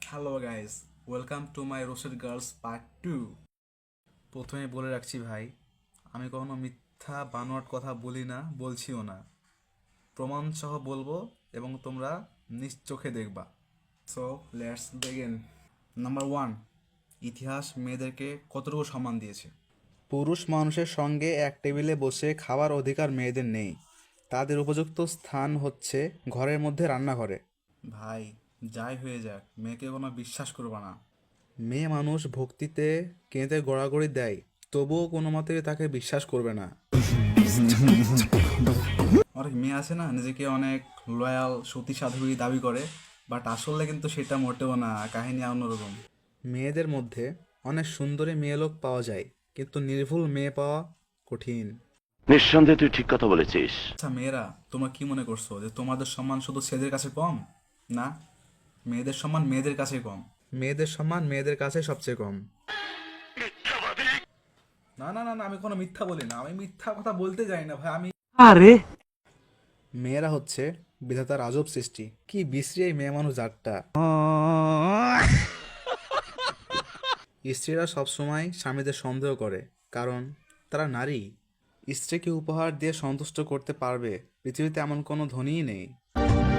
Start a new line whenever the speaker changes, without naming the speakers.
Hello guys, welcome to my roasted girls part 2। প্রথমে বলে রাখছি ভাই, আমি কখনো মিথ্যা বানোয়াট কথা বলি না, বলছিও না। প্রমাণ সহ বলবো এবং তোমরা নিজ চোখে দেখবা। So let's begin. নাম্বার 1, ইতিহাস মেয়েদেরকে কতটুকু সম্মান দিয়েছে? পুরুষ মানুষের সঙ্গে এক টেবিলে বসে খাওয়ার অধিকার মেয়েদের নেই। তাদের উপযুক্ত স্থান হচ্ছে ঘরের মধ্যে রান্নাঘরে। ভাই, যাই হয়ে যাক, মেয়েকে কোনো বিশ্বাস করবা না। মেয়ে মানুষ ভক্তিতে কেঁদে গড়াগড়ি দেয়, তবুও কোনো মতে তাকে বিশ্বাস করবে না। অনেক মেয়ে আছে না, নিজেকে অনেক লয়াল সতী সাধ্বী দাবি করে, বাট আসলে কিন্তু সেটা মোটেও না, কাহিনী অন্যরকম। মেয়েদের মধ্যে অনেক সুন্দরী মেয়ে লোক পাওয়া যায়, কিন্তু নির্ভুল মেয়ে পাওয়া কঠিন।
নিঃসন্দেহে তুই ঠিক কথা বলেছিস।
আচ্ছা মেয়েরা, তোমরা কি মনে করছো যে তোমাদের সম্মান শুধু ছেলেদের কাছে কম? না, মেয়েদের সম্মান মেয়েদের কাছে কম। মেয়েদের সম্মান মেয়েদের কাছে সবচেয়ে কম। না না না না, আমি কোনো মিথ্যা বলি না, আমি মিথ্যা কথা বলতে যাই না ভাই।
আরে
মেয়েরা হচ্ছে বিধাতার আজব সৃষ্টি। কি বিশ্রী এই মেয়ে মানুষ জাতটা। স্ত্রীরা সবসময় স্বামীদের সন্দেহ করে, কারণ তারা নারী। স্ত্রীকে উপহার দিয়ে সন্তুষ্ট করতে পারবে পৃথিবীতে এমন কোনো ধনীই নেই।